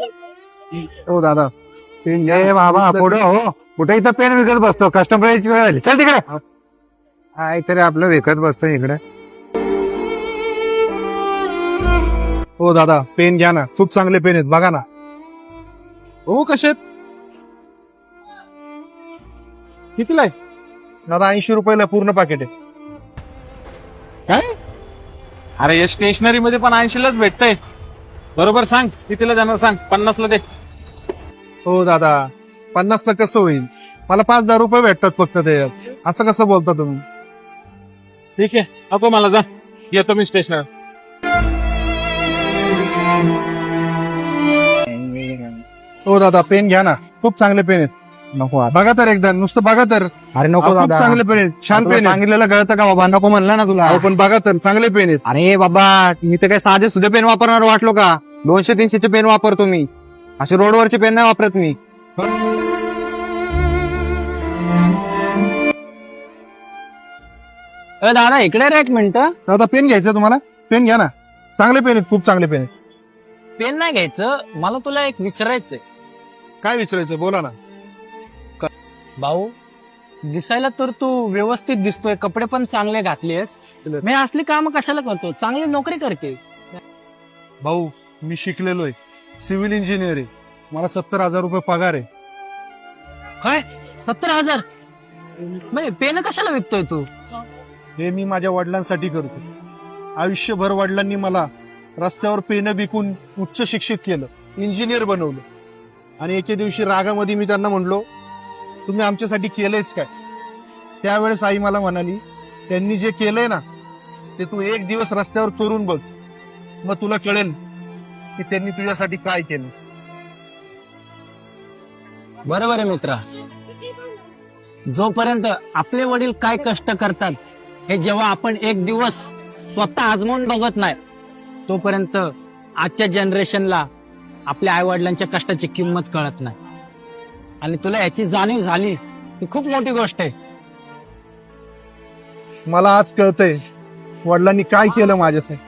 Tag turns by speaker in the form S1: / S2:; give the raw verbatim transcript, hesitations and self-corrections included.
S1: हो दादा पेन घ्या.
S2: ए बाबा पुढे हो, कुठे इथं पेन विकत बसतो, कस्टमरची वेळ आली, चल तिकडे. काय तरी आपलं विकत बसतो इकडे.
S1: हो दादा पेन घ्या ना, खूप चांगले पेन आहेत बघा ना.
S2: हो कसे कितीला आहे?
S1: दादा ऐंशी रुपयाला पूर्ण पाकिट आहे.
S2: काय? अरे या स्टेशनरी मध्ये पण ऐंशीलाच भेटतंय. बरोबर सांग कितीला जाणार, सांग. पन्नासला दे.
S1: हो दादा पन्नासला कसं होईल, मला पाच दहा रुपये भेटतात फक्त ते, असं कसं बोलता तुम्ही.
S2: ठीक आहे, नको मला, जा येतो मी स्टेशनर.
S1: हो दादा पेन घ्या ना, खूप चांगले पेन आहेत.
S2: नको आता.
S1: बघा तर एकदा, नुसतं बघा तर.
S2: अरे नको
S1: खूप
S2: दादा,
S1: चांगले पेन आहेत, छान
S2: तुला
S1: पेन आहेत.
S2: सांगितलेलं कळतं का बाबा, नको म्हणलं ना तुला.
S1: अहो, पण बघा तर चांगले पेन आहेत.
S2: अरे बाबा, मी तर काय साधे सुधे पेन वापरणार वाटलो का? दोनशे तीनशेचे पेन वापरतो मी, असे रोडवरचे पेन नाही वापरत मी. दादा इकडे रे एक मिनिट.
S1: दादा पेन घ्यायचं तुम्हाला, पेन घ्या ना, चांगले पेन आहेत, खूप चांगले पेन आहेत.
S3: पेन नाही घ्यायचं, मला तुला एक विचारायचंय.
S1: काय विचारायचं बोला ना.
S3: भाऊ, दिसायला तर तू व्यवस्थित दिसतोय, कपडे पण चांगले घातलेस, मी असली काम कशाला करतो, चांगली नोकरी करते.
S1: भाऊ मी शिकलेलो आहे, सिव्हिल इंजिनियर आहे, मला सत्तर हजार रुपये पगार आहे.
S3: काय सत्तर हजार म्हणजे पेन कशाला विकतोय तू?
S1: हे मी माझ्या वडिलांसाठी करतो. आयुष्यभर वडिलांनी मला रस्त्यावर पेनं विकून उच्च शिक्षित केलं, इंजिनियर बनवलं. आणि एके दिवशी रागामध्ये मी त्यांना म्हणलो, तुम्ही आमच्यासाठी केलंयच काय? त्यावेळेस आई मला म्हणाली, त्यांनी जे केलंय ना ते तू एक दिवस रस्त्यावर करून बघ, मग तुला कळेल की त्यांनी तुझ्यासाठी काय केलं.
S3: बरोबर आहे मित्रा, जोपर्यंत आपले वडील काय कष्ट करतात हे जेव्हा आपण एक दिवस स्वतः आजमावून बघत नाही, तोपर्यंत आजच्या जनरेशनला आपल्या आई वडिलांच्या कष्टाची किंमत कळत नाही. आणि तुला याची जाणीव झाली ती खूप मोठी गोष्ट आहे.
S1: मला आज कळतंय वडिलांनी काय केलं माझ्यासाठी.